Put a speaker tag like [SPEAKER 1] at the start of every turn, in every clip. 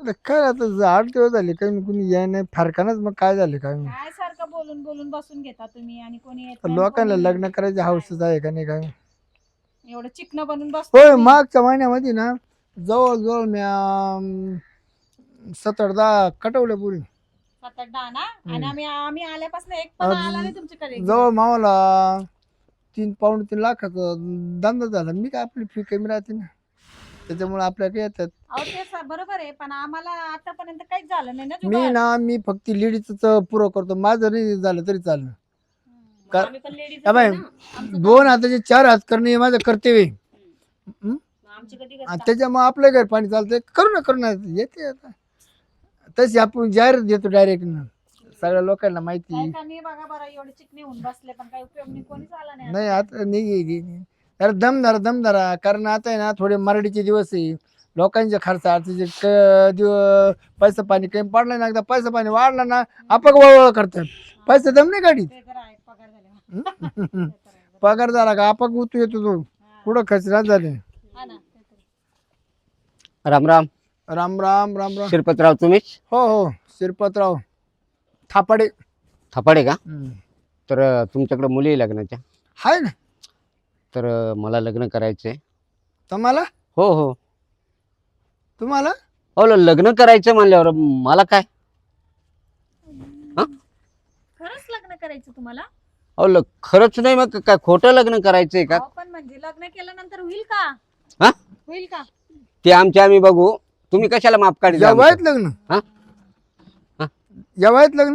[SPEAKER 1] आता काय आता 8 दिवस झाले काही कुणी याय नाही फारकानच मग काय झाले काय माहित.
[SPEAKER 2] काय सारखं बोलून बोलून बसून घेता तुम्ही आणि कोणी येत नाही,
[SPEAKER 1] लोकांना
[SPEAKER 2] कोणी
[SPEAKER 1] लग्न करायचे
[SPEAKER 2] काय?
[SPEAKER 1] हौसच आहे का नाही काय माहित.
[SPEAKER 2] एवढं चिकन बनून बसता
[SPEAKER 1] होय
[SPEAKER 2] तुम्ही.
[SPEAKER 1] मागच्या महिन्यामध्ये ना जवळजवळ मी 7-8 कटवल्या पुरी
[SPEAKER 2] 7-8 ना, आणि आम्ही आल्यापासून एक पण आला नाही तुमच्याकडे.
[SPEAKER 1] जवळ मावाला 3-3.5 लाखाचा धंदा झाला. मी काय आपली फी कमी राहते ना त्याच्यामुळे आपल्याकडे येतात.
[SPEAKER 2] अहो ते बरोबर आहे, पण आम्हाला आतापर्यंत काहीच झालं नाही ना
[SPEAKER 1] मी
[SPEAKER 2] जुगाड.
[SPEAKER 1] ना मी फक्त लेडीजच पुरं करतो माझं नाही झालं तरी चाललं. का-
[SPEAKER 2] आम्ही पण लेडीज
[SPEAKER 1] या बाई, 2 हाताचे 4 हात करणे हे माझं कर्तव्य आहे. हं?
[SPEAKER 2] आमची कधी
[SPEAKER 1] आणि त्याच्यामुळे आपलं घर पाणी चालतंय करू ना येते आता तशी आपण जाहीर देतो डायरेक्ट ना सगळ्या लोकांना माहिती.
[SPEAKER 2] नाही बघा बरं, एवढे चिकने होऊन बसले पण काही उपयोग नाही, कोणीच आला नाही.
[SPEAKER 1] नाही आता नाही अरे दम धरा कारण आता आहे ना थोडे मराठीचे दिवस आहे. लोकांचे खर्च आरतीचे पैसा पाणी कमी पडला ना एकदा पैसा पाणी वाढला ना आपण वळवळ करतात पैसे दम नाही गाडीत.
[SPEAKER 2] ते तर आहे, पगार झाले.
[SPEAKER 1] पगार झाला का आपण उतू येतो तो कुठं खचरात झाले.
[SPEAKER 2] हा ना, ते तर आहे.
[SPEAKER 3] राम राम.
[SPEAKER 1] राम राम राम राम.
[SPEAKER 3] शिरपतराव तुम्हीच?
[SPEAKER 1] हो शिरपतराव थापाडे.
[SPEAKER 3] थापाडे का? तर तुमच्याकडे मुली आहे लग्नाच्या?
[SPEAKER 1] हाय ना.
[SPEAKER 3] तर मला लग्न करायचंय.
[SPEAKER 1] तुम्हाला
[SPEAKER 3] हो हो.
[SPEAKER 1] तुम्हाला
[SPEAKER 3] हो लग्न करायचं म्हणल्यावर मला काय?
[SPEAKER 2] खरंच लग्न करायचं तुम्हाला?
[SPEAKER 3] अहो खरंच नाही मग काय खोटं लग्न करायचंय का?
[SPEAKER 2] अहो, पण म्हणजे लग्न केल्यानंतर होईल का?
[SPEAKER 3] हा?
[SPEAKER 2] होईल का?
[SPEAKER 3] ते आम्ही बघू. तुम्ही कशाला माप काढता?
[SPEAKER 1] या वयात लग्न
[SPEAKER 3] हा? हा?
[SPEAKER 1] या वयात लग्न.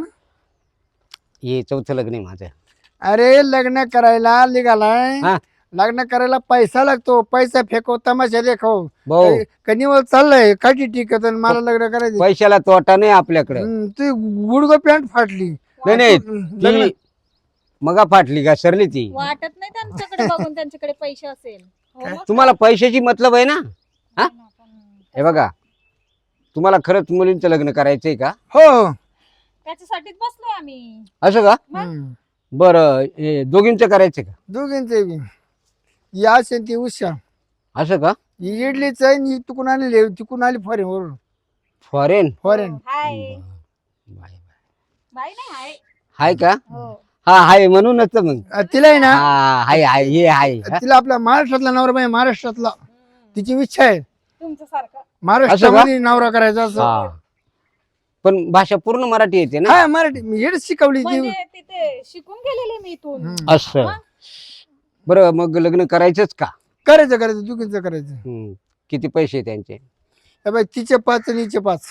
[SPEAKER 3] हे चौथं लग्न आहे माझं.
[SPEAKER 1] अरे लग्न करायला निघालाय.
[SPEAKER 3] हा?
[SPEAKER 1] लग्न करायला पैसा लागतो. पैसा फेको तमाशा देखो
[SPEAKER 3] भाऊ
[SPEAKER 1] कनिवल चाललंय काठी टिकत आणि मला लग्न करायचं.
[SPEAKER 3] पैशाला तोटा नाही आपल्याकडे.
[SPEAKER 1] ती गुडगो पॅन्ट फाटली.
[SPEAKER 3] नाही नाही
[SPEAKER 1] लग्न
[SPEAKER 3] ती मगा फाटली का सरली ती.
[SPEAKER 2] वाटत नाही त्यांच्याकडे बघून त्यांच्याकडे पैसे असेल. हो मग
[SPEAKER 3] तुम्हाला पैशाची मतलब आहे ना? हा?
[SPEAKER 2] काय?
[SPEAKER 3] हे बघा तुम्हाला खरंच मुलींचं लग्न करायचंय का?
[SPEAKER 1] हो.
[SPEAKER 2] त्याच्यासाठीच बसलोय आम्ही.
[SPEAKER 3] असं का?
[SPEAKER 1] हम्म.
[SPEAKER 3] बरं हे दोघींचं करायचंय का?
[SPEAKER 1] दोघींचे बी. या ती उषा
[SPEAKER 3] असं का?
[SPEAKER 1] ही इडलीच आहे आणि ही तिकून आली फॉरेन वरून.
[SPEAKER 3] फॉरेन?
[SPEAKER 1] Foreign
[SPEAKER 2] hi.
[SPEAKER 3] बाय.
[SPEAKER 2] बाई नाही हाय.
[SPEAKER 3] हाय का?
[SPEAKER 2] हो.
[SPEAKER 3] हा हाय म्हणूनच मग.
[SPEAKER 1] तिला आहे ना
[SPEAKER 3] हा हाय हाय हे हाय. हा?
[SPEAKER 1] तिला आपला महाराष्ट्रातला नवरा पाहिजे. महाराष्ट्रातला तिची इच्छा आहे
[SPEAKER 2] तुमच्यासारखं.
[SPEAKER 1] महाराष्ट्रामध्ये नवरा करायचा असं.
[SPEAKER 3] हा. पण भाषा पूर्ण मराठी येते ना?
[SPEAKER 1] हा मराठी मी हेच शिकवली ती.
[SPEAKER 2] म्हणजे तिथे शिकून गेलेले मी इथून.
[SPEAKER 3] असं. बरं मग लग्न करायचंच का?
[SPEAKER 1] करायचं दोघींचं करायचं.
[SPEAKER 3] किती पैसे त्यांचे?
[SPEAKER 1] हे बाई तिचे 5 आणि हिचे 5.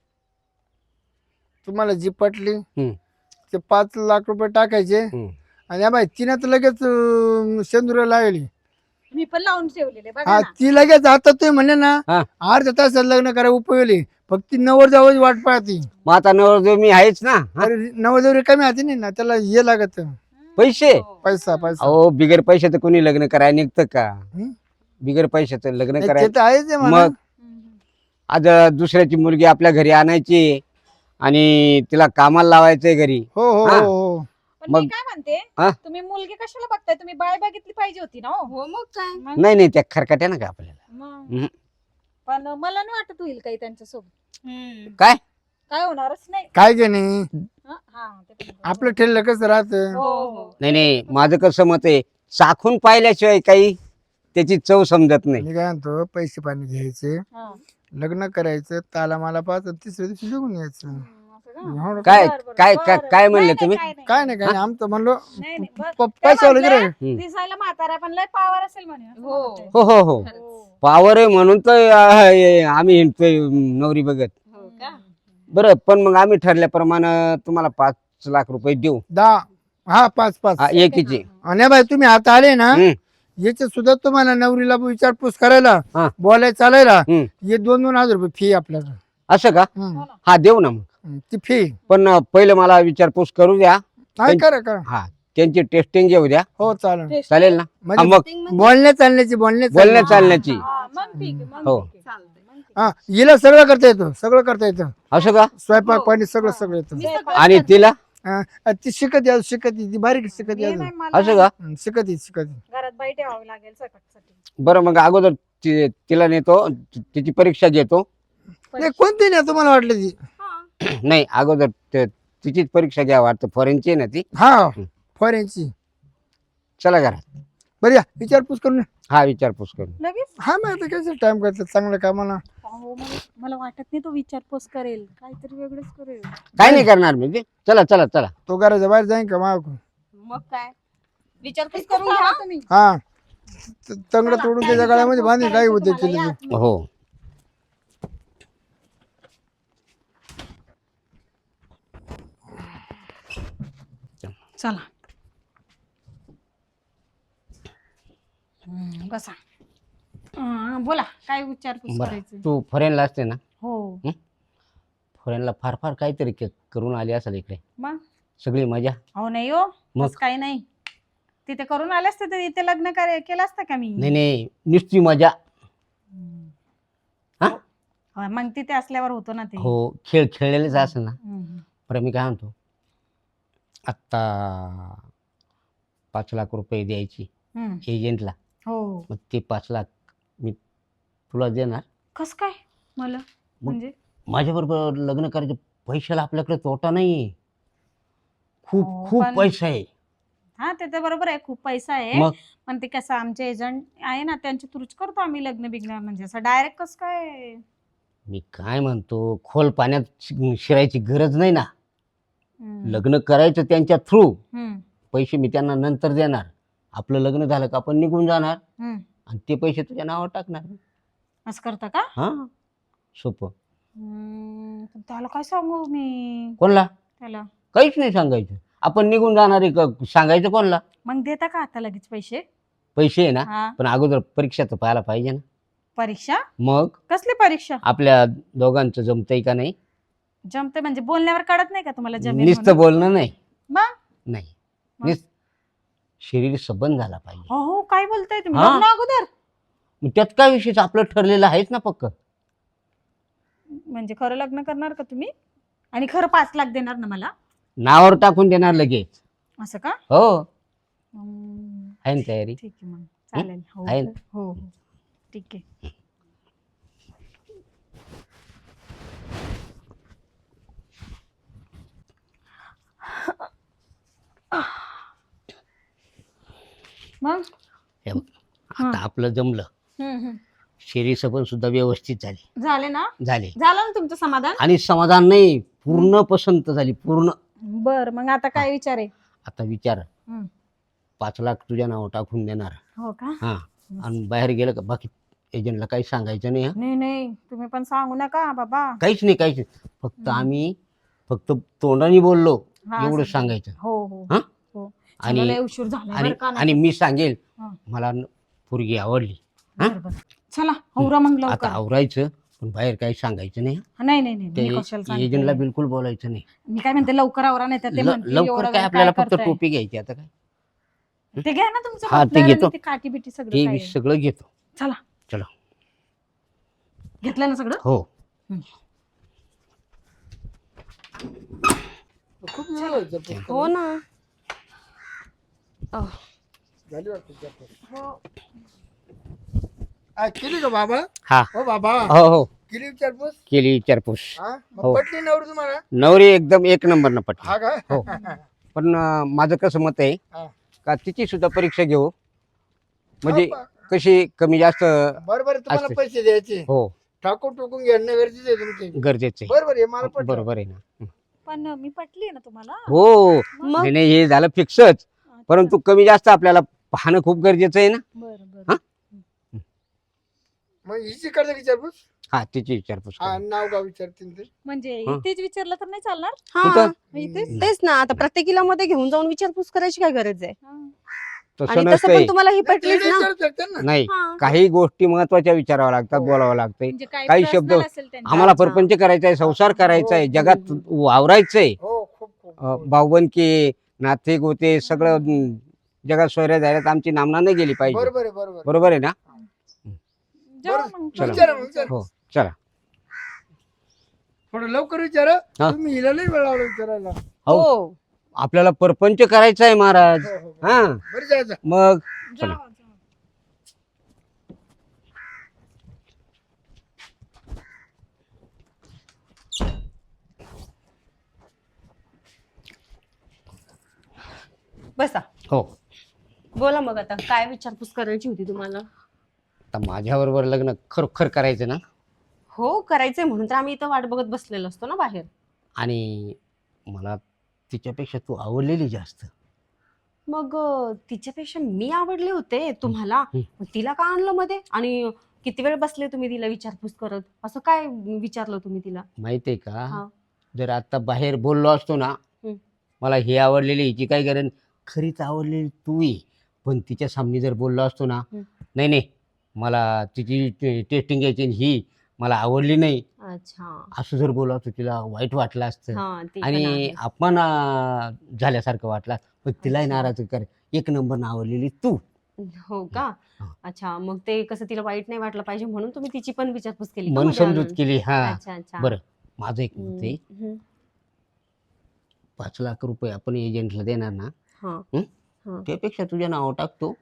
[SPEAKER 1] तुम्हाला जी पटली ते 5 लाख रुपये टाकायचे. आणि बाई तिने तर लगेच शेंदुरा लावली.
[SPEAKER 2] मी पण लावून ठेवलेले बघा
[SPEAKER 1] हा
[SPEAKER 2] ना.
[SPEAKER 1] ती लगेच आता तुम्ही म्हणले ना
[SPEAKER 3] हा.
[SPEAKER 1] अर्ध्या तासात लग्न करायला उपयोगी. फक्त ती नवरदेवाची वाट पाहती.
[SPEAKER 3] मग आता नवरदेव मी आहेच ना. हा?
[SPEAKER 1] अरे नवरदेव कमी हाती नाही ना त्याला हे लागत
[SPEAKER 3] पैसे?
[SPEAKER 1] पैसा.
[SPEAKER 3] अहो बिगर पैशाचं कोणी लग्न करायला निघतं का?
[SPEAKER 1] हं?
[SPEAKER 3] बिगर पैशाचं लग्न
[SPEAKER 1] ते
[SPEAKER 3] करायचं.
[SPEAKER 1] तर आहेच आहे म्हणा.
[SPEAKER 3] मग आज दुसऱ्याची मुलगी आपल्या घरी आणायची आणि तिला कामाला लावायचंय घरी.
[SPEAKER 1] हो हो
[SPEAKER 3] हा.
[SPEAKER 1] हो हो.
[SPEAKER 2] पण मी
[SPEAKER 3] मग-
[SPEAKER 2] काय म्हणते,
[SPEAKER 3] हा?
[SPEAKER 2] तुम्ही मुलगी कशाला बघताय? तुम्ही बाय बघितली पाहिजे होती ना. हो मग काय?
[SPEAKER 3] नाही नाही त्या खरकाट्या ना का आपल्याला.
[SPEAKER 2] मग. पण मला नाही वाटत होईल काही त्यांच्यासोबत.
[SPEAKER 3] काय?
[SPEAKER 2] काय होणारच नाही.
[SPEAKER 1] काय की नाही
[SPEAKER 2] हा, हा, ते पण बरोबर.
[SPEAKER 1] आपलं ठेवलं कसं राहतं.
[SPEAKER 2] हो, हो.
[SPEAKER 3] नाही माझं कसं मत आहे चाखून पाहिल्याशिवाय काही त्याची चव समजत नाही.
[SPEAKER 1] मी काय म्हणतो पैसे पाणी घ्यायचे
[SPEAKER 2] हा.
[SPEAKER 1] लग्न करायचं ताला मला पाच तिसऱ्या दिवशी निघून यायचं.
[SPEAKER 2] असं का?
[SPEAKER 1] एवढं
[SPEAKER 3] काय
[SPEAKER 2] बरं, बरं,
[SPEAKER 3] काय
[SPEAKER 2] बरं,
[SPEAKER 3] काय
[SPEAKER 2] बरं.
[SPEAKER 3] काय म्हणले
[SPEAKER 2] नाही,
[SPEAKER 3] तुम्ही?
[SPEAKER 2] नाही,
[SPEAKER 1] काय नाही आमचं म्हणलो
[SPEAKER 2] नाही, नाही, बरं.
[SPEAKER 1] पैसा
[SPEAKER 2] ते
[SPEAKER 1] वगैरे
[SPEAKER 2] म्हटले, दिसायला म्हातारा पण लय पावर असेल म्हणे. असं म्हणत होते.
[SPEAKER 3] हो हो हो
[SPEAKER 2] हो.
[SPEAKER 3] पावर आहे म्हणून तर आम्ही हिंडतोय नवरी बघत.
[SPEAKER 2] हो का?
[SPEAKER 3] बरं पण मग आम्ही ठरल्याप्रमाणे तुम्हाला 5 लाख रुपये देऊ.
[SPEAKER 1] 10. हा 5
[SPEAKER 3] हा, एकीचे.
[SPEAKER 1] आणि बाई तुम्ही आता आले ना
[SPEAKER 3] हम्म,
[SPEAKER 1] याचे सुद्धा तुम्हाला नवरीला विचारपूस करायला
[SPEAKER 3] हा.
[SPEAKER 1] बोलायला चालायला
[SPEAKER 3] हम्म.
[SPEAKER 1] हे 2-2 हजार रुपये फी आपल्याला.
[SPEAKER 3] असं का? हा देऊ ना मग.
[SPEAKER 1] ती फी
[SPEAKER 3] पण पहिलं मला विचारपूस करू द्या.
[SPEAKER 1] काय करा
[SPEAKER 3] हा त्यांची टेस्टिंग घेऊ द्या.
[SPEAKER 1] हो चालेल.
[SPEAKER 3] चालेल ना? हा,
[SPEAKER 1] म्हणजे
[SPEAKER 3] मग
[SPEAKER 1] बोलण्या चालण्याची
[SPEAKER 3] बोलण्या चालण्याची.
[SPEAKER 2] हा, मग ठीक आहे, मग
[SPEAKER 3] हो.
[SPEAKER 2] ठीक आहे. चालतंय, मग ठीक
[SPEAKER 1] हा हिला सगळं करता येतं
[SPEAKER 3] असं का?
[SPEAKER 1] स्वयंपाक पाणी सगळं येतं.
[SPEAKER 2] आहे.
[SPEAKER 3] आणि तिला
[SPEAKER 1] हा, ती शिकत ती बारीक शिकत
[SPEAKER 2] हे नाही मला
[SPEAKER 3] असं का?
[SPEAKER 1] शिकत
[SPEAKER 2] घरात बाई ठेवावी लागेल स्वयंपाकासाठी.
[SPEAKER 3] बरं मग अगोदर तिला नेतो तिची परीक्षा घेतो
[SPEAKER 1] नाही कोणती नाही तुम्हाला वाटलं ती
[SPEAKER 2] हा.
[SPEAKER 3] नाही अगोदर तिचीच परीक्षा घ्या वाटतं फॉरेनची आहे ना ती.
[SPEAKER 1] हा फॉरेनची.
[SPEAKER 3] चला घरात.
[SPEAKER 1] बरं या विचारपूस करून या.
[SPEAKER 3] हा विचारपूस करू.
[SPEAKER 2] लगेच
[SPEAKER 1] हा मग आता कसं टाइम करतात चांगल्या कामाला.
[SPEAKER 2] अहो, मला वाटत नाही तो विचारपूस करेल, काहीतरी वेगळंच करेल.
[SPEAKER 3] काय नाही करणार मी ते. चला चला चला.
[SPEAKER 1] तो घराच्या बाहेर जाईन का मागून.
[SPEAKER 2] मग काय विचारपूस करून घ्या तुम्ही.
[SPEAKER 1] हा तंगड तोडून त्याच्या गळ्यामध्ये बांधून काही होते केले मी.
[SPEAKER 3] हो
[SPEAKER 2] चला बसा. बोला काय विचारपूस
[SPEAKER 3] बरं
[SPEAKER 2] करायचं.
[SPEAKER 3] तू फॉरेनला असते ना.
[SPEAKER 2] हो
[SPEAKER 3] फॉरेनला फार फार काहीतरी करून आली असेल इकडे.
[SPEAKER 2] मग
[SPEAKER 3] सगळी मजा.
[SPEAKER 2] हो नाही हो
[SPEAKER 3] मग?
[SPEAKER 2] तसं काही नाही. तिथे करून आले असते तर इथे लग्न केलं असतं का मी.
[SPEAKER 3] नाही नाही नुसती मजा. हा?
[SPEAKER 2] हो, मग तिथे असल्यावर होतो ना ते.
[SPEAKER 3] हो खेळ खेळलेलेच असेल ना.
[SPEAKER 2] हम्म.
[SPEAKER 3] बरं मी काय म्हणतो आत्ता 5 लाख रुपये द्यायची
[SPEAKER 2] हम्म.
[SPEAKER 3] एजंटला.
[SPEAKER 2] हो
[SPEAKER 3] मग ते 5 लाख मी तुला देणार.
[SPEAKER 2] कस काय मला म्हणजे
[SPEAKER 3] माझ्याबरोबर लग्न करायचं. पैशाला आपल्याकडे तोटा नाही. खूप
[SPEAKER 2] हो,
[SPEAKER 3] खूप
[SPEAKER 2] पण-
[SPEAKER 3] पैसा आहे.
[SPEAKER 2] हा ते तर बरोबर आहे खूप पैसा आहे.
[SPEAKER 3] मग
[SPEAKER 2] पण ते कसं आमचे एजंट आहे ना त्यांच्या थ्रूच करतो आम्ही लग्न बिग्न म्हणजे असं डायरेक्ट कस काय.
[SPEAKER 3] मी काय म्हणतो खोल पाण्यात शिरायची गरज नाही ना.
[SPEAKER 2] हम्म.
[SPEAKER 3] लग्न करायचं त्यांच्या थ्रू.
[SPEAKER 2] हम्म.
[SPEAKER 3] पैसे मी त्यांना नंतर देणार. आपलं लग्न झालं का आपण निघून जाणार
[SPEAKER 2] हम्म.
[SPEAKER 3] आणि ते पैसे तुझ्या नावावर टाकणार.
[SPEAKER 2] असं करता का.
[SPEAKER 3] हा सोपं.
[SPEAKER 2] पण त्याला काय सांगू मी
[SPEAKER 3] कोणला
[SPEAKER 2] त्याला.
[SPEAKER 3] काहीच नाही सांगायचं. आपण निघून जाणार आहे का सांगायचं कोणला.
[SPEAKER 2] मग देता का आता लगेच पैसे.
[SPEAKER 3] पैसे आहे ना.
[SPEAKER 2] हा
[SPEAKER 3] पण अगोदर परीक्षा तर पाहायला पाहिजे ना.
[SPEAKER 2] परीक्षा
[SPEAKER 3] मग
[SPEAKER 2] कसली परीक्षा.
[SPEAKER 3] आपल्या दोघांचं जमतंय का नाही.
[SPEAKER 2] जमते म्हणजे बोलण्यावर कळत नाही का तुम्हाला जमीन
[SPEAKER 3] नुसतं बोलणं नाही.
[SPEAKER 2] मग?
[SPEAKER 3] नाही
[SPEAKER 2] मग?
[SPEAKER 3] नुसतं शरीर सबंध झाला पाहिजे.
[SPEAKER 2] हो हो काय बोलताय तुम्ही
[SPEAKER 3] हा.
[SPEAKER 2] लग्न अगोदर.
[SPEAKER 3] मग त्यात काय विषय आपलं ठरलेलं आहेच ना पक्क.
[SPEAKER 2] म्हणजे खरं लग्न करणार का तुम्ही आणि खरं 5 लाख देणार ना मला.
[SPEAKER 3] नावावर टाकून देणार लगेच.
[SPEAKER 2] असं का.
[SPEAKER 3] हो
[SPEAKER 2] हम्म,
[SPEAKER 3] आहे ना तयारी.
[SPEAKER 2] ठीक आहे मग चालेल. हो
[SPEAKER 3] आहे ना?
[SPEAKER 2] हो हो ठीक आहे. मग
[SPEAKER 3] हे बघ, आता आपलं जमलं.
[SPEAKER 2] हम्म.
[SPEAKER 3] शरीर सबंध सुद्धा व्यवस्थित झाले.
[SPEAKER 2] झाले ना.
[SPEAKER 3] झाले
[SPEAKER 2] झालं ना तुमचं समाधान.
[SPEAKER 3] आणि समाधान नाही पूर्ण पसंत झाली पूर्ण.
[SPEAKER 2] बर मग आता काय विचार आहे.
[SPEAKER 3] आता विचार
[SPEAKER 2] हम्म.
[SPEAKER 3] 5 लाख तुझ्या नावावर टाकून देणार.
[SPEAKER 2] हो का.
[SPEAKER 3] हा आणि बाहेर गेलं का बाकी एजंटला काही सांगायचं नाही. हा
[SPEAKER 2] नाही नाही तुम्ही पण सांगू नका बाबा.
[SPEAKER 3] काहीच नाही काहीच नाही. फक्त आम्ही फक्त तोंडाने बोललो
[SPEAKER 2] हा,
[SPEAKER 3] एवढं
[SPEAKER 2] असं.
[SPEAKER 3] सांगायचं.
[SPEAKER 2] हो हो
[SPEAKER 3] हा?
[SPEAKER 2] हो
[SPEAKER 3] आणि-
[SPEAKER 2] चला, लय उशीर झाला
[SPEAKER 3] आणि
[SPEAKER 2] बरं का.
[SPEAKER 3] आणि मी सांगेल
[SPEAKER 2] हा.
[SPEAKER 3] मला पोरगी आवडली. हा?
[SPEAKER 2] बरं, बरं. चला आवरा मग
[SPEAKER 3] आता
[SPEAKER 2] लवकर.
[SPEAKER 3] आवरायचं पण बाहेर काही सांगायचं नाही.
[SPEAKER 2] नाही नाही नाही मी कशाला
[SPEAKER 3] ते
[SPEAKER 2] सांगते.
[SPEAKER 3] एजंटला बिलकुल बोलायचं नाही.
[SPEAKER 2] मी काय म्हणते लवकर आवरा नाही तर ते म्हणतील एवढा
[SPEAKER 3] लवकर
[SPEAKER 2] वेळ
[SPEAKER 3] काय आपल्याला फक्त
[SPEAKER 2] करताय?
[SPEAKER 3] टोपी घ्यायची आता काय.
[SPEAKER 2] ते घ्या ना तुमचं
[SPEAKER 3] हा, ते
[SPEAKER 2] मफलर आणि
[SPEAKER 3] घेतो.
[SPEAKER 2] ते काठी बिटी सगळं
[SPEAKER 3] ते
[SPEAKER 2] काय
[SPEAKER 3] मी
[SPEAKER 2] आहे.
[SPEAKER 3] सगळं घेतो.
[SPEAKER 2] चला
[SPEAKER 3] चला.
[SPEAKER 2] घेतलं ना सगळं.
[SPEAKER 3] हो
[SPEAKER 1] खूप वेळ होईल जर पुस्तक.
[SPEAKER 4] हो ना.
[SPEAKER 1] झाली वाटतं विचारपूस. केली का बाबा.
[SPEAKER 3] हा
[SPEAKER 1] हो बाबा
[SPEAKER 3] हो हो
[SPEAKER 1] केली विचारपूस.
[SPEAKER 3] केली विचारपूस.
[SPEAKER 1] हा मग
[SPEAKER 3] हो.
[SPEAKER 1] पटली नवरी तुम्हाला.
[SPEAKER 3] नवरी एकदम एक नंबर न पटली.
[SPEAKER 1] हा का.
[SPEAKER 3] हो. पण माझं कसं मत आहे
[SPEAKER 1] हा.
[SPEAKER 3] का तिची सुद्धा परीक्षा घेऊ म्हणजे
[SPEAKER 1] हो,
[SPEAKER 3] कशी कमी जास्त.
[SPEAKER 1] बरोबर आहे, तुम्हाला
[SPEAKER 3] असते.
[SPEAKER 1] पैसे द्यायचे
[SPEAKER 3] हो
[SPEAKER 1] टाकून टोकून घेणं गरजेचं आहे तुमचे.
[SPEAKER 3] गरजेचं आहे.
[SPEAKER 1] बरोबर आहे मला पटलं.
[SPEAKER 3] बरोबर आहे ना.
[SPEAKER 2] पण मी पटली ना तुम्हाला.
[SPEAKER 3] हो
[SPEAKER 4] मग
[SPEAKER 3] नाही नाही, हे झालं फिक्सच. परंतु कमी जास्त आपल्याला पाहणं खूप गरजेचं आहे ना.
[SPEAKER 2] बरं
[SPEAKER 3] हा?
[SPEAKER 2] बरं.
[SPEAKER 1] मग हिची करता विचारपूस.
[SPEAKER 3] हा तिची विचारपूस
[SPEAKER 1] हा
[SPEAKER 3] करू.
[SPEAKER 1] नाव गाव विचारतील ते.
[SPEAKER 2] म्हणजे
[SPEAKER 3] हा.
[SPEAKER 2] इथेच विचारलं तर नाही चालणार.
[SPEAKER 4] हा
[SPEAKER 3] कुठं?
[SPEAKER 2] इथेच.
[SPEAKER 4] तेच ना. आता प्रत्येकीला मध्ये घेऊन जाऊन विचारपूस करायची काय गरज आहे.
[SPEAKER 2] हा.
[SPEAKER 3] तसं
[SPEAKER 4] आणि तसं
[SPEAKER 3] नसतंय.
[SPEAKER 4] पण तुम्हाला ही
[SPEAKER 1] नाही,
[SPEAKER 4] पटलीच
[SPEAKER 1] ते
[SPEAKER 4] ना.
[SPEAKER 1] विचारू शकतात ना.
[SPEAKER 3] नाही
[SPEAKER 4] हा.
[SPEAKER 3] काही गोष्टी महत्वाच्या विचाराव्या लागतात बोलावं लागतंय.
[SPEAKER 2] म्हणजे
[SPEAKER 3] काही शब्द
[SPEAKER 2] personal असेल त्यांचं.
[SPEAKER 3] आम्हाला
[SPEAKER 4] अच्छा.
[SPEAKER 3] परपंच करायचा आहे संसार करायचा आहे जगात वावरायचंय.
[SPEAKER 1] हो खूप खूप
[SPEAKER 3] भाऊबंदकी नाते गोते सगळं जगात सोयऱ्या जायला आमची नामना नाही गेली पाहिजे.
[SPEAKER 1] बरोबर आहे बरोबर.
[SPEAKER 3] बरोबर आहे ना.
[SPEAKER 2] जाऊ मग.
[SPEAKER 3] चला.
[SPEAKER 1] विचारा मग, विचारा.
[SPEAKER 3] हो चला.
[SPEAKER 1] थोडं लवकर विचारा.
[SPEAKER 3] हा.
[SPEAKER 1] तुम्ही हिला नाही वेळ लावला विचारायला.
[SPEAKER 3] हो आपल्याला परपंच करायचा आहे महाराज.
[SPEAKER 1] हो, हो.
[SPEAKER 3] हा
[SPEAKER 1] बरं जायचं.
[SPEAKER 3] मग
[SPEAKER 2] जाऊ,
[SPEAKER 3] चला.
[SPEAKER 2] जाऊ.
[SPEAKER 4] बसा.
[SPEAKER 3] हो.
[SPEAKER 4] बोला मग आता काय विचारपूस करायची होती तुम्हाला?
[SPEAKER 3] आता माझ्याबरोबर लग्न खरोखर करायचं ना,
[SPEAKER 4] हो करायचंय म्हणून तर आम्ही इथं वाट बघत बसलेलो असतो ना बाहेर.
[SPEAKER 3] आणि मला तिच्यापेक्षा तू आवडलेली जास्त.
[SPEAKER 4] मग तिच्यापेक्षा मी आवडले होते तुम्हाला,
[SPEAKER 3] हं.
[SPEAKER 4] मग तिला का आणलं मध्ये? आणि किती वेळ बसले तुम्ही तिला विचारपूस करत? असं काय विचारलं तुम्ही तिला?
[SPEAKER 3] माहितीये का,
[SPEAKER 4] हा.
[SPEAKER 3] जर आता बाहेर बोललो असतो ना,
[SPEAKER 4] हं.
[SPEAKER 3] मला ही आवडलेली हिची काय गरज, खरीच आवडलेली तू ये. पण तिच्या सामने जर बोललो असतो ना,
[SPEAKER 4] हं.
[SPEAKER 3] नाही नाही मला तिची टेस्टिंग घ्यायची आणि ही मला आवडली नाही,
[SPEAKER 4] अच्छा.
[SPEAKER 3] असं जर बोललो असतो तिला वाईट वाटलं असतं
[SPEAKER 4] हा ते पण
[SPEAKER 3] आणि
[SPEAKER 4] आहे.
[SPEAKER 3] अपमान झाल्यासारखं वाटलं. पण तिलाही
[SPEAKER 4] अच्छा.
[SPEAKER 3] नाराज कर, एक नंबर आवडलेली तू.
[SPEAKER 4] हो का?
[SPEAKER 3] हा.
[SPEAKER 4] अच्छा, मग ते कसं तिला वाईट नाही वाटलं पाहिजे म्हणून तुम्ही तिची पण विचारपूस केली का
[SPEAKER 3] मन
[SPEAKER 4] मध्ये
[SPEAKER 3] समजूत
[SPEAKER 4] आणून?
[SPEAKER 3] केली. हा.
[SPEAKER 4] अच्छा अच्छा.
[SPEAKER 3] बरं, माझं एक मत
[SPEAKER 4] हम्म,
[SPEAKER 3] आहे,
[SPEAKER 4] हम्म.
[SPEAKER 3] 5 लाख रुपये आपण एजंटला देणार ना,
[SPEAKER 4] हा.
[SPEAKER 3] हं?
[SPEAKER 4] हा.
[SPEAKER 3] त्यापेक्षा तुझ्या नाव टाकतो,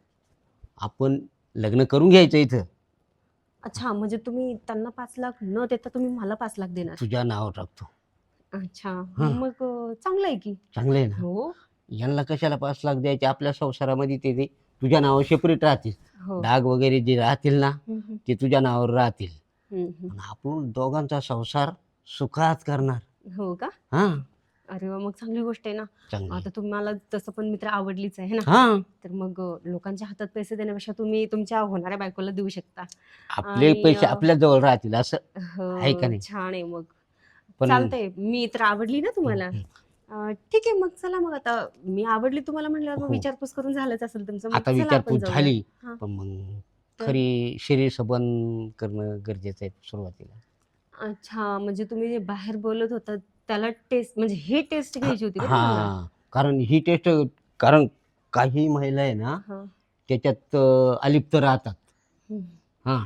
[SPEAKER 3] आपण लग्न करून घ्यायचं इथं.
[SPEAKER 4] अच्छा, म्हणजे तुम्ही त्यांना 5 लाख न देता तुम्ही मला 5 लाख देणार?
[SPEAKER 3] तुझ्या नाव टाकतो.
[SPEAKER 4] अच्छा.
[SPEAKER 3] हा.
[SPEAKER 4] मग चांगलं आहे की.
[SPEAKER 3] चांगलं आहे ना.
[SPEAKER 4] हो.
[SPEAKER 3] यांना कशाला 5 लाख द्यायचे, आपल्या संसारामध्ये ते तुझ्या नावावर सेपरेट राहतील.
[SPEAKER 4] हो.
[SPEAKER 3] डाग वगैरे जे राहतील ना,
[SPEAKER 4] हम्म, हम्म,
[SPEAKER 3] ते तुझ्या नावावर राहतील.
[SPEAKER 4] हम्म.
[SPEAKER 3] आणि आपण दोघांचा संसार सुखात करणार.
[SPEAKER 4] हो का?
[SPEAKER 3] हा.
[SPEAKER 4] अरे वा, मग चांगली गोष्ट आहे ना.
[SPEAKER 3] चांगलं आहे.
[SPEAKER 4] आता तुम्हाला तसं पण मित्र आवडलीच आहे ना,
[SPEAKER 3] हा.
[SPEAKER 4] तर मग लोकांच्या हातात पैसे देण्यापेक्षा तुम्ही तुमच्या होणाऱ्या बायकोला देऊ शकता.
[SPEAKER 3] आपले
[SPEAKER 4] आणि
[SPEAKER 3] पैसे आपल्या जवळ राहतील असं आहे का
[SPEAKER 4] हो,
[SPEAKER 3] नाही.
[SPEAKER 4] छान आहे मग.
[SPEAKER 3] पण
[SPEAKER 4] चालतंय, मी तर आवडली ना तुम्हाला.
[SPEAKER 3] हं.
[SPEAKER 4] ठीक आहे, मग चला. मग आता मी आवडली तुम्हाला म्हणल्यावर मग
[SPEAKER 3] हो.
[SPEAKER 4] विचारपूस करून झालंच असेल तुमचं, मग
[SPEAKER 3] आता
[SPEAKER 4] चला आपण
[SPEAKER 3] विचारपूस
[SPEAKER 4] जाऊया.
[SPEAKER 3] झाली,
[SPEAKER 4] हा.
[SPEAKER 3] पण मग
[SPEAKER 4] तर?
[SPEAKER 3] खरी शरीर संबंध करणं गरजेचं आहे सुरुवातीला.
[SPEAKER 4] अच्छा, म्हणजे तुम्ही जे बाहेर बोलत होता त्याला टेस्ट, म्हणजे ही टेस्ट घ्यायची होती का तुम्हाला?
[SPEAKER 3] हा, कारण ही टेस्ट, कारण काही महिला आहे ना,
[SPEAKER 4] हा.
[SPEAKER 3] त्याच्यात अलिप्त राहतात.
[SPEAKER 4] हम्म.
[SPEAKER 3] हा,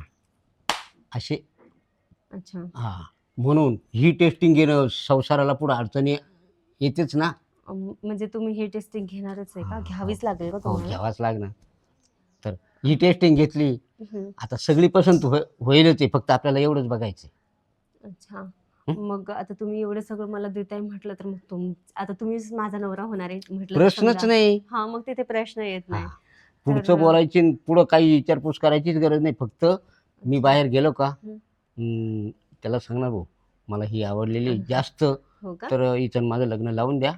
[SPEAKER 3] असे.
[SPEAKER 4] अच्छा.
[SPEAKER 3] हा, म्हणून ही टेस्टिंग घेणं संसाराला पुढे अडचणी येतेच ना.
[SPEAKER 4] म्हणजे तुम्ही ही टेस्टिंग घेणारच आहे का?
[SPEAKER 3] हा,
[SPEAKER 4] घ्यावीच लागेल का
[SPEAKER 3] हो,
[SPEAKER 4] तुम्हाला?
[SPEAKER 3] घ्यावाच लागणार. तर ही टेस्टिंग घेतली,
[SPEAKER 4] हम्म.
[SPEAKER 3] आता सगळी पसंत होईलच आहे, फक्त आपल्याला एवढंच बघायचं.
[SPEAKER 4] अच्छा.
[SPEAKER 3] हं?
[SPEAKER 4] मग आता तुम्ही एवढं सगळं मला देताय म्हटलं तर मग आता तुम्हीच माझा नवरा होणार आहे म्हटलं तर
[SPEAKER 3] प्रश्नच
[SPEAKER 4] समजा.
[SPEAKER 3] नाही.
[SPEAKER 4] हा, मग तिथे प्रश्न येत
[SPEAKER 3] हा,
[SPEAKER 4] नाही.
[SPEAKER 3] पुढचं बोलायची आणि पुढं काही विचारपूस करायचीच गरज नाही. फक्त मी
[SPEAKER 4] अच्छा.
[SPEAKER 3] बाहेर गेलो का,
[SPEAKER 4] हं.
[SPEAKER 3] त्याला सांगणार भाऊ मला ही आवडलेली जास्त,
[SPEAKER 4] हो का?
[SPEAKER 3] तर इथं माझं लग्न लावून द्या,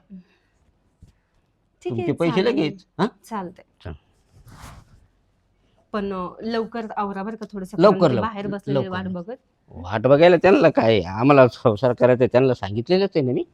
[SPEAKER 4] ठीक
[SPEAKER 3] तुमचे
[SPEAKER 4] आहे,
[SPEAKER 3] पैसे
[SPEAKER 4] चालेल.
[SPEAKER 3] लगेच. हा,
[SPEAKER 4] चालतंय.
[SPEAKER 3] चल.
[SPEAKER 4] पण लवकर आवरा बरं का थोडंसं,
[SPEAKER 3] लवकर
[SPEAKER 4] कारण ते
[SPEAKER 3] लवकर
[SPEAKER 4] बाहेर बसलेले
[SPEAKER 3] लवकर
[SPEAKER 4] वाट
[SPEAKER 3] लवकर.
[SPEAKER 4] बघत.
[SPEAKER 3] वाट बघायला त्यांना काय, आम्हाला संसार करायचा त्यांना सांगितलेलंच आहे ना मी.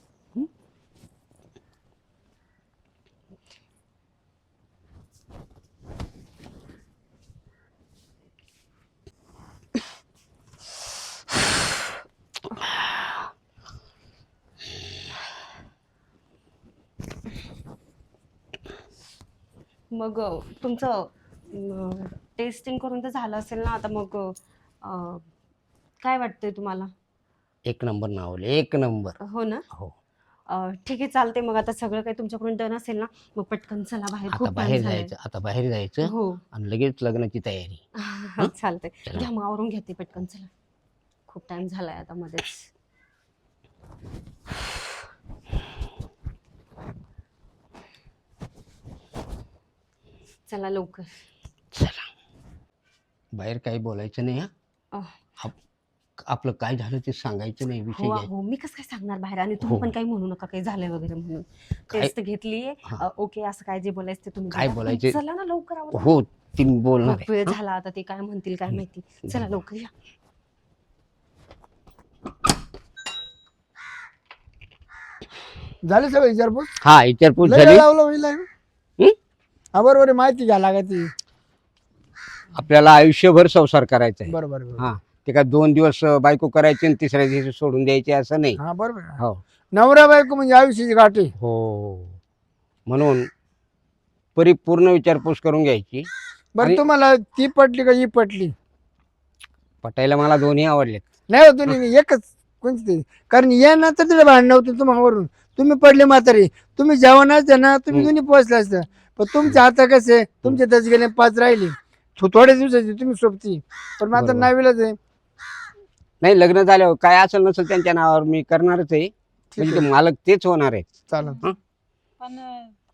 [SPEAKER 4] मग तुमचं टेस्टिंग करून तर झालं असेल ना आता, मग काय वाटतंय तुम्हाला?
[SPEAKER 3] एक नंबर नावले, एक नंबर.
[SPEAKER 4] हो ना.
[SPEAKER 3] हो,
[SPEAKER 4] ठीक आहे, चालते. मग आता सगळं काही तुमच्याकडून डन असेल ना, मग पटकन चला बाहेर,
[SPEAKER 3] आता
[SPEAKER 4] खूप टाइम
[SPEAKER 3] बाहेर
[SPEAKER 4] झालाय.
[SPEAKER 3] जायचं, आता बाहेर जायचं
[SPEAKER 4] हो.
[SPEAKER 3] आणि लगेच लग्नाची तयारी. हं?
[SPEAKER 4] चालतंय,
[SPEAKER 3] चला.
[SPEAKER 4] घ्या मग आवरून घेते पटकन, चला. खूप टाइम झालाय आता मध्येच. चला लवकर.
[SPEAKER 3] चला, बाहेर काही बोलायचं नाही. हा,
[SPEAKER 4] अह,
[SPEAKER 3] आपलं काय झालं ते सांगायचं नाही, विषय
[SPEAKER 4] हो
[SPEAKER 3] घ्यायचा.
[SPEAKER 4] हो, मी कसं काय सांगणार बाहेर, आणि तुम्ही
[SPEAKER 3] हो.
[SPEAKER 4] पण काही म्हणू नका काही झालंय वगैरे म्हणून.
[SPEAKER 3] काय
[SPEAKER 4] टेस्ट घेतलीये,
[SPEAKER 3] हा.
[SPEAKER 4] ओके, असं काय जे बोलायचं ते तुम्ही
[SPEAKER 3] काय
[SPEAKER 4] बोला. पण
[SPEAKER 3] बोलायचे?
[SPEAKER 4] चला ना लवकर आवरा.
[SPEAKER 3] हो, ती बोलणार
[SPEAKER 4] खूप वेळ
[SPEAKER 3] आहे.
[SPEAKER 4] झाला आता, ते काय म्हणतील काय माहिती. चला लवकर या.
[SPEAKER 1] झाली सगळं विचारपूस?
[SPEAKER 3] हा, विचारपूस
[SPEAKER 1] लय
[SPEAKER 3] झाली.
[SPEAKER 1] वेळ लावला होईल आहे.
[SPEAKER 3] हं?
[SPEAKER 1] हा, बरोबर आहे, माहिती घ्या लागायची.
[SPEAKER 3] आपल्याला आयुष्यभर संसार करायचा आहे.
[SPEAKER 1] बरोबर बरोबर.
[SPEAKER 3] हा, ते काय 2 दिवस बायको करायची आणि तिसऱ्या दिवशी सोडून द्यायची असं नाही.
[SPEAKER 1] हा, बरोबर आहे.
[SPEAKER 3] हो
[SPEAKER 1] नवरा बायको म्हणजे आयुष्याची गाठी.
[SPEAKER 3] हो, म्हणून परिपूर्ण विचारपूस करून घ्यायची.
[SPEAKER 1] बरं,
[SPEAKER 3] आणि-
[SPEAKER 1] तुम्हाला ती पटली का ही पटली?
[SPEAKER 3] पटायला मला दोन्ही आवडलेत.
[SPEAKER 1] नाही हो, तुम्ही एकच कोणती तरी. कारण या नंतर तिला भांडण होतं तुम्हावरून. तुम्ही पडले म्हातारी, तुम्ही जेवणाचं ना, तुम्ही दोन्ही पोहोचले असतं. पण तुमच्या हाता कसे, तुमचे 10 गेले 5 राहिले. थोड्या दिवसाची तुम्ही सोबती, पण माझं
[SPEAKER 3] बरोबर.
[SPEAKER 1] नावीलाच आहे.
[SPEAKER 3] नाही, लग्न झाल्यावर काय असेल नसेल त्यांच्या नावावर मी करणारच आहे.
[SPEAKER 1] ठीक
[SPEAKER 3] म्हणजे
[SPEAKER 1] आहे,
[SPEAKER 3] ते मालक तेच होणार आहे.
[SPEAKER 1] चालेल.
[SPEAKER 2] पण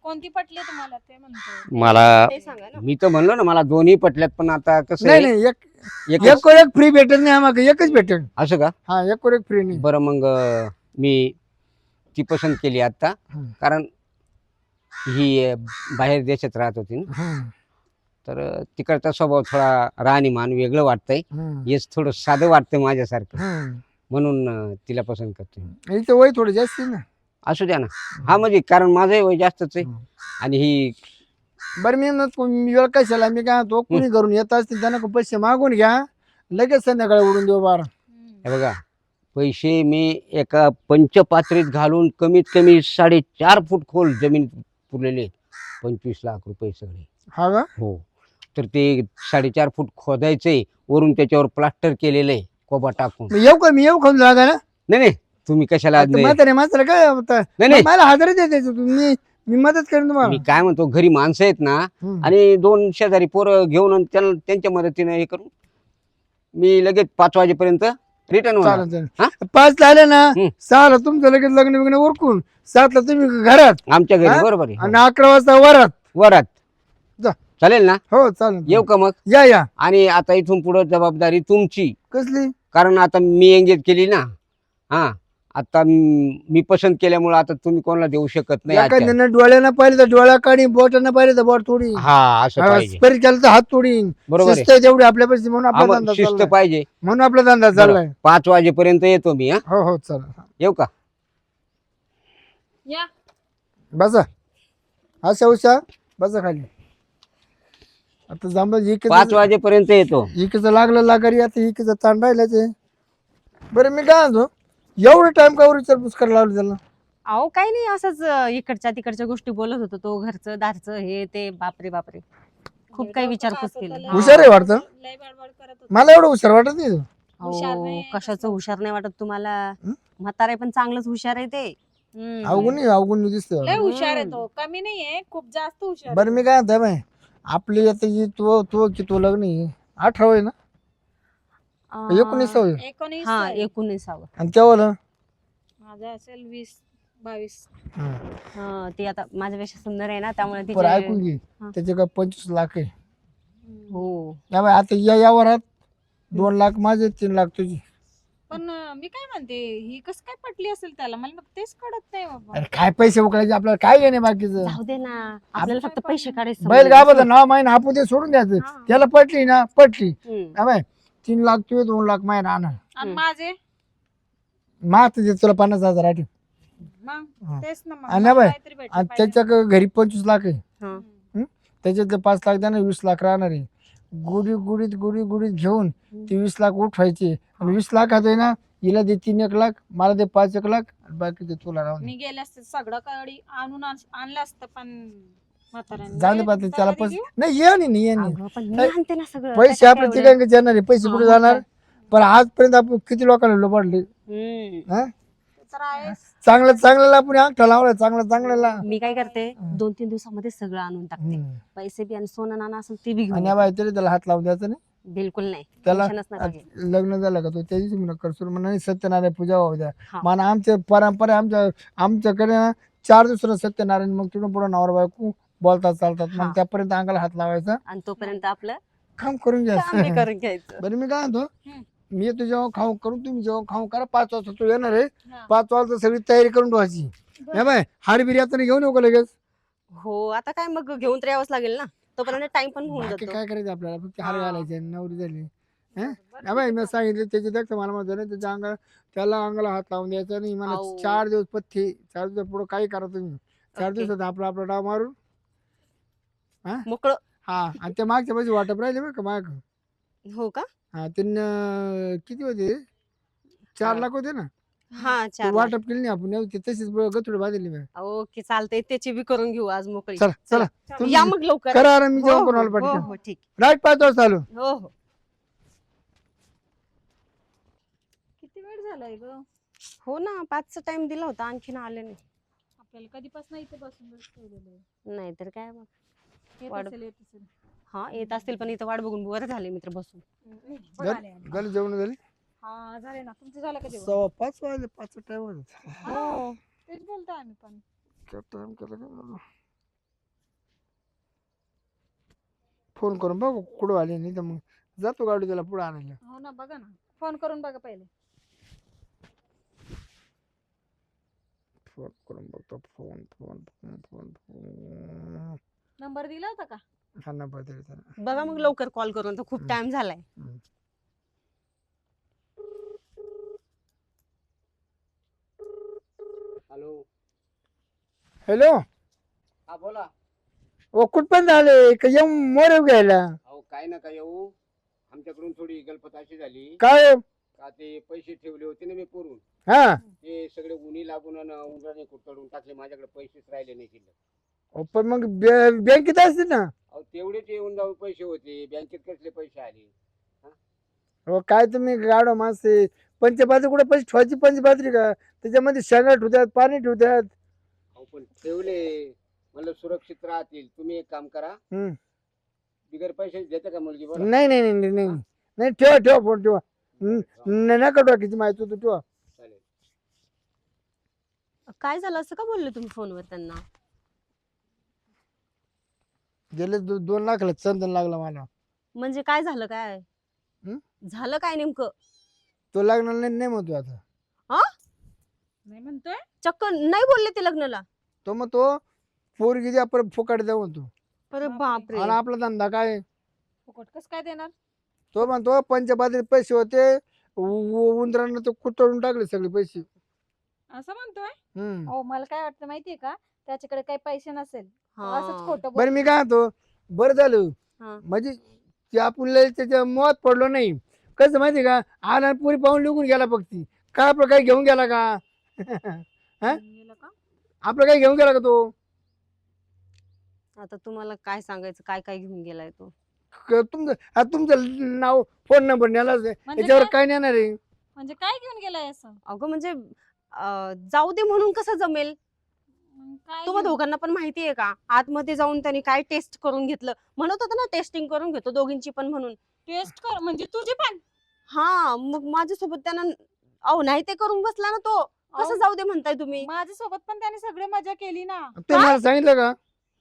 [SPEAKER 2] कोणती पटली तुम्हाला ते म्हणतो.
[SPEAKER 3] मला
[SPEAKER 4] ते सांगा ना.
[SPEAKER 3] मी तर म्हणलो ना मला दोन्ही पटल्यात, पण आता कसं
[SPEAKER 1] नाही
[SPEAKER 3] आहे,
[SPEAKER 1] नाही
[SPEAKER 3] एकच.
[SPEAKER 1] एक वर एक फ्री भेटेल नाही आम्हाला, एकच भेटेल.
[SPEAKER 3] असं का?
[SPEAKER 1] हा एक वर एक फ्री नाही.
[SPEAKER 3] बरं मग मी ती पसंत केली आता,
[SPEAKER 1] हम्म.
[SPEAKER 3] कारण ही बाहेर देशात राहत होती ना,
[SPEAKER 1] हम्म.
[SPEAKER 3] तर तिकडचा स्वभाव थोडा राहणीमान वेगळं वाटतंय.
[SPEAKER 1] हम्म.
[SPEAKER 3] हेच थोडं साधं वाटतंय माझ्यासारखं,
[SPEAKER 1] हम्म.
[SPEAKER 3] म्हणून तिला पसंत करतोय.
[SPEAKER 1] इथं वय थोडं जास्त आहे ना.
[SPEAKER 3] असू द्या ना. हा म्हणजे कारण माझंही वय जास्तच आहे,
[SPEAKER 1] हम्म.
[SPEAKER 3] आणि ही
[SPEAKER 1] बरं मी वेळ कशाला, मी काय तो कुणी घरून येत असतील त्यांना पैसे मागून घ्या, लगेच संध्याकाळी उडून देऊ बारा.
[SPEAKER 3] हे बघा, पैसे मी एका पंचपात्रीत घालून कमीत कमी 4.5 फूट खोल जमीन पुरलेले आहेत. 25 लाख रुपये सगळे.
[SPEAKER 1] हा का?
[SPEAKER 3] हो. तर ते 4.5 फूट खोदायचंय, वरून त्याच्यावर प्लास्टर केलेलं आहे कोबा टाकून.
[SPEAKER 1] मी येऊ खाऊन जागा ना.
[SPEAKER 3] नाही नाही, तुम्ही कशाला नाही
[SPEAKER 1] म्हातारे काय होतं?
[SPEAKER 3] नाही.
[SPEAKER 1] मला हजार द्यायचे मी मदत करेन तुम्हाला.
[SPEAKER 3] मी काय म्हणतो, घरी माणसं आहेत ना,
[SPEAKER 1] हम्म.
[SPEAKER 3] आणि 2 शेजारी पोरं घेऊन आणि त्यांच्या मदतीने हे करून मी लगेच 5 वाजेपर्यंत रिटर्न होणार.
[SPEAKER 1] चालेल
[SPEAKER 3] हा?
[SPEAKER 1] चालेल. 5 झाले ना,
[SPEAKER 3] हम्म.
[SPEAKER 1] 6 ला तुमचं लगेच लग्न बिग्न उरकून, 7 ला तुम्ही घरात
[SPEAKER 3] आमच्या घरी.
[SPEAKER 1] हा?
[SPEAKER 3] बरोबर आहे.
[SPEAKER 1] आणि 11 वाजता वरात.
[SPEAKER 3] वरात
[SPEAKER 1] जा.
[SPEAKER 3] चालेल ना?
[SPEAKER 1] हो चालेल.
[SPEAKER 3] येऊ का मग?
[SPEAKER 1] या.
[SPEAKER 3] आणि आता इथून पुढे जबाबदारी तुमची,
[SPEAKER 1] कसली?
[SPEAKER 3] कारण आता मी एंगेज केली ना. हा, आता मी पसंत केल्यामुळे आता तुम्ही कोणाला देऊ शकत नाही आजच्या.
[SPEAKER 1] एखाद्यानं डोळ्यानं पाहिलं तर डोळा काढी, बोटानं पाहिलं तर बोट तोडी,
[SPEAKER 3] हा, असं पाहिजे.
[SPEAKER 1] स्परी केलं तर हात तोडीन.
[SPEAKER 3] बरोबर आहे.
[SPEAKER 1] शिस्त आहे तेवढी आपल्यापाशी, म्हणून
[SPEAKER 3] हा,
[SPEAKER 1] आपला
[SPEAKER 3] मग
[SPEAKER 1] धंदा
[SPEAKER 3] शिस्त
[SPEAKER 1] चाललाय.
[SPEAKER 3] पाहिजे.
[SPEAKER 1] म्हणून आपला धंदा
[SPEAKER 3] बरं,
[SPEAKER 1] चाललाय.
[SPEAKER 3] 5 वाजेपर्यंत येतो मी. हा,
[SPEAKER 1] हो चालेल.
[SPEAKER 3] येऊ का?
[SPEAKER 2] या.
[SPEAKER 1] बसा अशा उशा, बसा खाली. आता जांभळ
[SPEAKER 3] 5 वाजेपर्यंत येतो.
[SPEAKER 1] इकडचं लागलं लागारी, आता इकडचं ताण राहिलाच आहे. बरं मी काय म्हणतो, एवढं टाइम का विचारपूस करायला लावली त्याला?
[SPEAKER 4] अहो काही नाही, असंच इकडच्या तिकडच्या गोष्टी बोलत होतो. तो घरचं दारचं हे ते, बापरे बापरे, खूप काही विचारपूस केली.
[SPEAKER 1] हुशार आहे वाटतं.
[SPEAKER 2] लय बडबड करत होता.
[SPEAKER 1] मला एवढं हुशार वाटत नाही तो.
[SPEAKER 2] हुशार
[SPEAKER 4] अहो,
[SPEAKER 2] नाही,
[SPEAKER 4] कशाचं हुशार नाही वाटत तुम्हाला?
[SPEAKER 1] हं?
[SPEAKER 4] म्हातारे पण चांगलंच हुशार आहे ते.
[SPEAKER 1] अवगुण दिसतोय.
[SPEAKER 2] लय हुशार आहे तो, कमी नाहीये, खूप जास्त हुशार
[SPEAKER 1] बरं मी काय म्हणतो बाई, आपली आता ही तो लग्न आहे 18 आहे ना, 19 होय.
[SPEAKER 2] 19
[SPEAKER 4] हा,
[SPEAKER 2] आहे.
[SPEAKER 4] 19व.
[SPEAKER 1] आणि तेव्हा
[SPEAKER 2] माझा असेल 20-22.
[SPEAKER 4] हा, ती आता माझ्यापेक्षा सुंदर आहे ना, त्यामुळे
[SPEAKER 1] बरं ऐकून
[SPEAKER 4] तिचे.
[SPEAKER 1] घे,
[SPEAKER 4] हा.
[SPEAKER 1] त्याचे काय 25 लाख आहे.
[SPEAKER 4] हो.
[SPEAKER 1] या बाई, आता या वरात 2 लाख माझे, 3 लाख तुझी.
[SPEAKER 2] पण मी काय म्हणते, ही कस काय पटली असेल त्याला, मला तेच कळत नाही बाबा.
[SPEAKER 1] अरे काय पैसे उकळायचे आपल्याला, काय घेणे बाकीचं.
[SPEAKER 4] जाऊ दे ना, आपल्याला फक्त पैसे काढायचे.
[SPEAKER 1] बैल गावाचं नाव माहिती आपण ते सोडून द्यायचं.
[SPEAKER 2] हा.
[SPEAKER 1] त्याला पटली ना, पटली.
[SPEAKER 4] हम्म.
[SPEAKER 1] हा बाई, 3 लाख तुझे, 2 लाख माहिती राहणार.
[SPEAKER 2] आणि माझे
[SPEAKER 1] मात दे तुला 50,000 आठ.
[SPEAKER 2] मग
[SPEAKER 1] हा.
[SPEAKER 2] तेच ना, मग
[SPEAKER 1] आणि
[SPEAKER 2] मला
[SPEAKER 1] बाई,
[SPEAKER 2] काहीतरी भेटलं
[SPEAKER 1] आणि
[SPEAKER 2] पाहिजे.
[SPEAKER 1] त्याच्या घरी 25 लाख आहे.
[SPEAKER 4] हा.
[SPEAKER 1] त्याच्यातले 5 लाख द्या ना, 20 लाख राहणार आहे. गुढीत घेऊन ते 20 लाख उठवायचे, आणि 20 लाख आहे ना, हिला दे 3-1 लाख, मला दे 5-1 लाख, आणि बाकी ते तुला राहून दे.
[SPEAKER 2] मी गेले असते सगळं कडी आणून आणलं असतं, पण म्हाताऱ्याने
[SPEAKER 1] जाऊ दे पाहते
[SPEAKER 2] तयारी
[SPEAKER 1] त्याला
[SPEAKER 2] घेऊ.
[SPEAKER 1] नाही ये नाही
[SPEAKER 4] अगं, पण मी
[SPEAKER 1] नाही.
[SPEAKER 4] आणते ना सगळं.
[SPEAKER 1] पैसे
[SPEAKER 4] त्याच्यात
[SPEAKER 1] आपल्या
[SPEAKER 4] काय एवढं?
[SPEAKER 1] तिघांकडे जाणार आहे, पैसे कुठे
[SPEAKER 4] हा,
[SPEAKER 1] जाणार?
[SPEAKER 4] मग
[SPEAKER 1] पण आजपर्यंत आपण किती लोकांना लोबाडले.
[SPEAKER 4] हम्म.
[SPEAKER 1] हा?
[SPEAKER 2] ते तर आहेच.
[SPEAKER 1] चांगल्याला आपण अंगठा लावला, चांगल्याला.
[SPEAKER 4] मी काय करते, 2-3 दिवसामध्ये सगळं आणून टाकते. पैसे बी आणि सोनं नाणं असेल ते बी घेऊन
[SPEAKER 1] आणि
[SPEAKER 4] येते.
[SPEAKER 1] बाई तरी त्याला हात लावून द्यायचा नाही.
[SPEAKER 4] बिलकुल नाही,
[SPEAKER 1] त्याला
[SPEAKER 4] टेन्शनच नका घेऊ.
[SPEAKER 1] लग्न झालं का तो त्या दिवशी म्हणा करसून म्हणा, सत्यनारायण पूजा होऊ द्या.
[SPEAKER 4] हा.
[SPEAKER 1] म्हणा आमच्या परंपरा, आमच्याकडे ना 4 दिवसाला सत्यनारायण, मग तिथून पुढे नवरा बायको बोलतात चालतात, मग
[SPEAKER 4] हा.
[SPEAKER 1] त्यापर्यंत अंगाला हात लावायचा,
[SPEAKER 4] आणि तोपर्यंत आपलं
[SPEAKER 1] काम करून
[SPEAKER 4] काम बी
[SPEAKER 1] घ्यायचं.
[SPEAKER 4] करून घ्यायचं.
[SPEAKER 1] बरं मी काय म्हणतो,
[SPEAKER 2] हम्म.
[SPEAKER 1] मी येतो जेव्हा खाऊ करून, तुम्ही जेव्हा खाऊ करा. 5 वाजता तू येणार आहे,
[SPEAKER 2] हा.
[SPEAKER 1] 5 वाजता सगळी तयारी करून ठेवायची.
[SPEAKER 2] बरं.
[SPEAKER 1] हे बाय, हाड बिर्याणी घेऊन येऊ का लगेच?
[SPEAKER 4] हो, आता काय मग घेऊन तर यावंच लागेल ना, तोपर्यंत टाइम पण होऊन
[SPEAKER 1] बाकी
[SPEAKER 4] जातो.
[SPEAKER 1] काय करायचं आपल्याला, फक्त हार
[SPEAKER 4] हा.
[SPEAKER 1] घालायचे, नवरी झाली.
[SPEAKER 2] बरं,
[SPEAKER 1] हा बाई, मी सांगितलं त्याची देखत मला म्हणतो ना, त्याच्या अंगाला, त्याला अंगाला हात लावून द्यायचा नाही. मला
[SPEAKER 4] अहो.
[SPEAKER 1] 4 दिवस पथ्ये, 4 दिवस पुढे काही करा तुम्ही. 4
[SPEAKER 4] ओके.
[SPEAKER 1] दिवसात आपला डाव मारून.
[SPEAKER 4] मोकळं.
[SPEAKER 1] हा, आणि ते मागच्या पैसे वाटप राहिले बरं का माग.
[SPEAKER 4] हो का?
[SPEAKER 1] हा, त्यांना किती होते? 4 लाख होते ना.
[SPEAKER 4] हा,
[SPEAKER 1] ते
[SPEAKER 4] 4 लाख.
[SPEAKER 1] वाटप केली नाही आपण, ते तशीच गथुडे बांधली मी.
[SPEAKER 4] ओके, चालतंय, त्याची बी करून घेऊ आज मोकळी.
[SPEAKER 1] चला तुम्ही
[SPEAKER 4] या मग लवकर.
[SPEAKER 1] करा आराम, मी
[SPEAKER 4] हो,
[SPEAKER 1] जेवण
[SPEAKER 4] हो,
[SPEAKER 1] करून आलो
[SPEAKER 4] हो,
[SPEAKER 1] पाठीच्या.
[SPEAKER 4] हो, ठीक.
[SPEAKER 1] राईट 5 वाजता आलो.
[SPEAKER 4] हो हो.
[SPEAKER 2] किती वेळ झालाय ग,
[SPEAKER 4] हो ना, 5चा टाइम दिला होता, आणखीन आले नाही.
[SPEAKER 2] आपल्याला कधीपासून इथे बसून ठेवलेलं आहे.
[SPEAKER 4] नाही तर काय मग.
[SPEAKER 2] येत
[SPEAKER 4] वाढ-
[SPEAKER 2] असेल, येत असेल.
[SPEAKER 4] हा, येत असतील, पण इथं वाट बघून वर झाले मित्र बसून.
[SPEAKER 2] बघ आले, आले.
[SPEAKER 1] झाली जेवण झाली?
[SPEAKER 2] हा, झाले ना. तुमचं झालं का जेवण?
[SPEAKER 1] 5:15 वाजले, 5चा टाइम होता.
[SPEAKER 2] हा, तेच बोलतोय आम्ही पण.
[SPEAKER 1] टाइम केला का? फोन करून बघू कुठं आले, नाही तर मग जातो गाडी त्याला पुढे आणायला.
[SPEAKER 2] हो ना, बघा ना, फोन करून बघा पहिले.
[SPEAKER 1] फोन करून बघतो. Phone phone phone phone phone
[SPEAKER 2] number दिला होता का?
[SPEAKER 1] हा नंबर तरी त्याला.
[SPEAKER 4] बघा मग लवकर कॉल करून, तर खूप टाइम झालाय.
[SPEAKER 3] हॅलो.
[SPEAKER 1] हॅलो.
[SPEAKER 3] हा बोला.
[SPEAKER 1] ओ कुठपर्यंत आले का येऊ मोर घ्यायला?
[SPEAKER 3] अहो काय नका येऊ, आमच्याकडून थोडी गलपत अशी झाली
[SPEAKER 1] काय?
[SPEAKER 3] का ते पैसे ठेवले होते ना मी पुरून,
[SPEAKER 1] हा
[SPEAKER 3] ते सगळे उन्ही लागून उन्हाने कुठतडून टाकले, माझ्याकडे पैसेच राहिले नाही शिल्लक.
[SPEAKER 1] पण मग बँकेत असते ना.
[SPEAKER 3] अहो तेवढेच येऊन जाऊन पैसे होते, बँकेत कसले पैसे आले.
[SPEAKER 1] हो काय तुम्ही गाडो माणसे, पंचपात्री कुठे पैसे ठेवायची पंचपात्री का? त्याच्यामध्ये शेंगा ठेवतात, पाणी ठेवतात.
[SPEAKER 3] अहो पण ठेवले म्हणलं सुरक्षित राहतील. तुम्ही एक काम करा,
[SPEAKER 1] हम्म.
[SPEAKER 3] बिगर पैसे देते का मुलगी? बोला.
[SPEAKER 1] नाही नाही नाही नाही नाही ठेवा ठेवा फोन ठेवा. नका टाकीची माहिती होती ठेवा.
[SPEAKER 3] चालेल.
[SPEAKER 4] काय झालं असं का बोलले तुम्ही फोनवर त्यांना?
[SPEAKER 1] गेले 2 लाखाला चंदन लागला मला.
[SPEAKER 4] म्हणजे काय झालं, काय
[SPEAKER 1] हं?
[SPEAKER 4] झालं काय नेमकं?
[SPEAKER 1] तो लागणार नाही नाही म्हणतो आता.
[SPEAKER 2] नाही म्हणतोय.
[SPEAKER 4] चक्क नाही बोलले ते लग्नाला?
[SPEAKER 1] तो मग तो पोरगी द्या परत फुकाट द्या म्हणतो.
[SPEAKER 4] अरे
[SPEAKER 2] बापरे.
[SPEAKER 4] बापरे.
[SPEAKER 1] आणि आपला धंदा काय?
[SPEAKER 2] फुकट कस काय देणार?
[SPEAKER 1] तो म्हणतो पंचपात्रीत पैसे होते, उंदरांना तो कुतळून टाकले सगळे पैसे.
[SPEAKER 2] असं म्हणतोय.
[SPEAKER 1] हम्म.
[SPEAKER 2] हो, मला काय वाटतं माहितीये का, त्याच्याकडे काही पैसे नसेल, तो
[SPEAKER 4] हा.
[SPEAKER 2] असंच खोटं
[SPEAKER 1] बरं मी काय म्हणतो, बरं झालं
[SPEAKER 4] हा.
[SPEAKER 1] म्हणजे ते आपण लय त्याच्या मोहात पडलो नाही. कसं माहिती का, आला पुरी पाहून निघून गेला फक्त. काय आपलं काही घेऊन गेला का? हा?
[SPEAKER 2] गेलं का?
[SPEAKER 1] आपलं काही घेऊन गेला का तो?
[SPEAKER 4] आता तुम्हाला काय सांगायचं, काय काय घेऊन गेलाय तो?
[SPEAKER 1] तुमचं नाव फोन नंबर नेलाच आहे,
[SPEAKER 2] म्हणजे
[SPEAKER 1] याच्यावर
[SPEAKER 2] काय?
[SPEAKER 1] काय नेणार आहे?
[SPEAKER 2] म्हणजे काय घेऊन गेलाय असं?
[SPEAKER 4] अगं म्हणजे जाऊ दे म्हणून कसं जमेल?
[SPEAKER 2] मग काय
[SPEAKER 4] तुम्हा
[SPEAKER 2] घेऊन-
[SPEAKER 4] दोघांना पण माहितीये का, आतमध्ये जाऊन त्यांनी काय टेस्ट करून घेतलं, म्हणत होतं ना टेस्टिंग करून घेतो दोघींची पण म्हणून.
[SPEAKER 2] टेस्ट कर म्हणजे तुझी पण?
[SPEAKER 4] हा, मग माझ्यासोबत त्यांना अहो नाही ते करून बसला ना तो. कसं
[SPEAKER 2] अहो,
[SPEAKER 4] जाऊ दे म्हणताय तुम्ही?
[SPEAKER 2] माझ्यासोबत पण त्याने सगळे मजा केली ना.
[SPEAKER 1] ते मला सांगितलं का?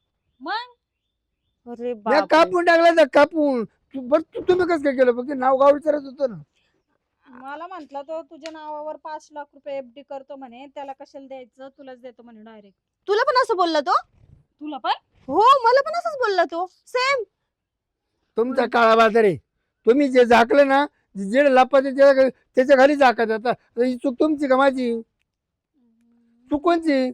[SPEAKER 2] मग
[SPEAKER 4] अरे
[SPEAKER 1] मी
[SPEAKER 4] बाप.
[SPEAKER 1] कापून टाकला तर कापून. तुम्ही कसं काय केलं? फक्त नाव गाव विचारत होतं ना.
[SPEAKER 2] मला म्हंटल तो तुझ्या नावावर 5 लाख रुपये एफडी करतो म्हणे, त्याला कशाला द्यायचं, तुलाच देतो म्हणे डायरेक्ट.
[SPEAKER 4] तुला पण असं बोलला तो?
[SPEAKER 2] तुला पण?
[SPEAKER 4] हो, मला पण असंच बोलला तो, सेम.
[SPEAKER 1] तुमचा काळा बाजार आहे. तुम्ही जे झाकलं ना, जे लपाचे त्याच्या घरी झाकत आता. ही चूक तुमची का माझी? चूक कोणची?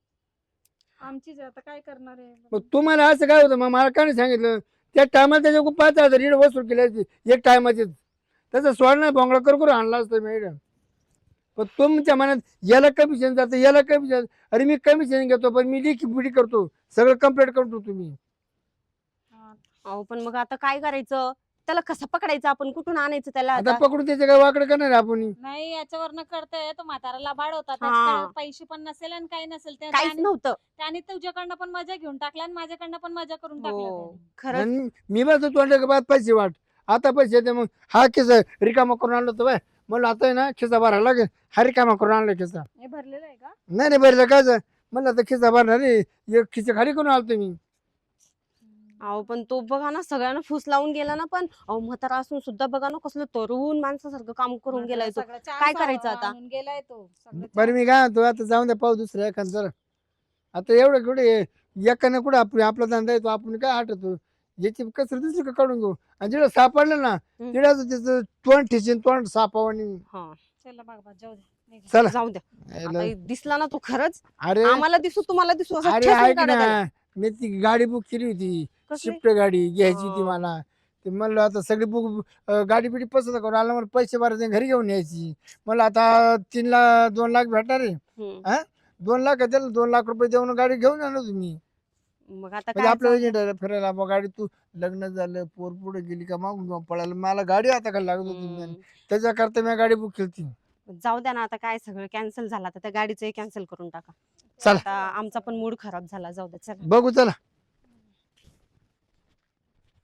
[SPEAKER 2] आमचीच आहे, आता काय करणार आहे?
[SPEAKER 1] मग तुम्हाला असं काय होतं? मग मला काय नाही सांगितलं? त्या टायमाला त्याच्या 5,000 रीड वसूल केली असती एक टायमाचीच. त्याचा सोड नाही बोंगळा करून आणला असतं मॅडम. पण तुमच्या मनात याला कमिशन जातं, याला कमिशन. अरे मी कमिशन घेतो, पण मी लिखी पुढी करतो, सगळं कम्प्लीट करतो. तुम्ही
[SPEAKER 2] हा.
[SPEAKER 4] अहो पण मग आता काय करायचं? त्याला कसं पकडायचं आपण? कुठून आणायचं त्याला
[SPEAKER 1] आता
[SPEAKER 4] आता?
[SPEAKER 1] पकडून त्याच्या काय वाकडं करणार आहे आपण?
[SPEAKER 2] नाही, याच्यावरनं करताय तो म्हाताराला बाळवता,
[SPEAKER 4] हा.
[SPEAKER 2] त्याच्याकडे पैसे पण नसेल आणि काही नसेल,
[SPEAKER 4] काहीच नव्हतं.
[SPEAKER 2] त्याने तुझ्याकडनं पण मजा घेऊन टाकला आणि माझ्याकडनं पण मजा करून टाकला
[SPEAKER 4] हो,
[SPEAKER 2] त्याने.
[SPEAKER 4] खरंच.
[SPEAKER 1] आणि मी बस तोंडा बाद पैसे वाट. आता पैसे येते मग हा खिसा रिकामा करून आणलो तर बाय म्हणलं आता आहे ना खिसा भरायला लागेल. हा रिकामा करून आणला खिसा.
[SPEAKER 2] हे भरलेलं आहे का?
[SPEAKER 1] नाही नाही भरलं काय म्हणलं आता खिसा भरणार नाही, एक खिसा खाली करून आलतो मी.
[SPEAKER 4] अहो पण तो बघा ना, सगळ्यांना फूस लावून गेला ना. पण अहो म्हातारा असून सुद्धा बघा ना, कसलं तरुण माणसासारखं काम करून गेलाय तो.
[SPEAKER 2] सगळं chance
[SPEAKER 4] काय करायचं आता?
[SPEAKER 2] आणून गेलाय तो सगळं
[SPEAKER 1] बरं
[SPEAKER 2] chance.
[SPEAKER 1] मी काय म्हणतो, आता जाऊन द्या पाहू दुसऱ्या एखादं जरा. आता एवढं कुठे एकाने कुठे आपला धंदा येतो, आपण काय हटतो. याची कसर दुसरी का काढून घेऊ. आणि जिकडे सापडलं ना तिकडे त्याचं तोंड ठेचीन, तोंड सापावानी.
[SPEAKER 4] हा,
[SPEAKER 2] चला बाबा जाऊ दे, निघा.
[SPEAKER 1] चला.
[SPEAKER 4] जाऊ द्या. आता दिसला ना तो खरंच.
[SPEAKER 1] अरे
[SPEAKER 4] आम्हाला दिसू, तुम्हाला दिसू, असं
[SPEAKER 1] अरे
[SPEAKER 4] ठेचून
[SPEAKER 1] ऐक
[SPEAKER 4] काढा त्याला.
[SPEAKER 1] ना, मी ती गाडी बुक केली होती,
[SPEAKER 4] कसली?
[SPEAKER 1] शिफ्ट गाडी घ्यायची होती
[SPEAKER 4] हा.
[SPEAKER 1] मला. ते म्हणलं आता सगळी बुक गाडी बिडी पसंत करून आला, मला पैसे भरायचे घरी घेऊन यायची. मला आता 2 लाख भेटणार आहे.
[SPEAKER 4] हम्म.
[SPEAKER 1] 2 लाख त्याला 2 लाख रुपये देऊन गाडी घेऊन आलो तुम्ही.
[SPEAKER 4] मग आता
[SPEAKER 1] म्हणजे
[SPEAKER 4] काय
[SPEAKER 1] आपल्याला एजंट फिरायला मग गाडी तू लग्न झालं पोर पुढे गेली का मागून जाऊन पळायला मला गाडी आता का लागत होती.
[SPEAKER 4] हम्म.
[SPEAKER 1] त्याच्याकरता मी गाडी बुक केली होती.
[SPEAKER 4] जाऊ द्या ना, आता काय सगळं कॅन्सल झालं, आता त्या गाडीचंही कॅन्सल करून टाका.
[SPEAKER 1] चला
[SPEAKER 4] आता आमचा पण मूड खराब झाला. जाऊ द्या, चला.
[SPEAKER 1] बघू चला.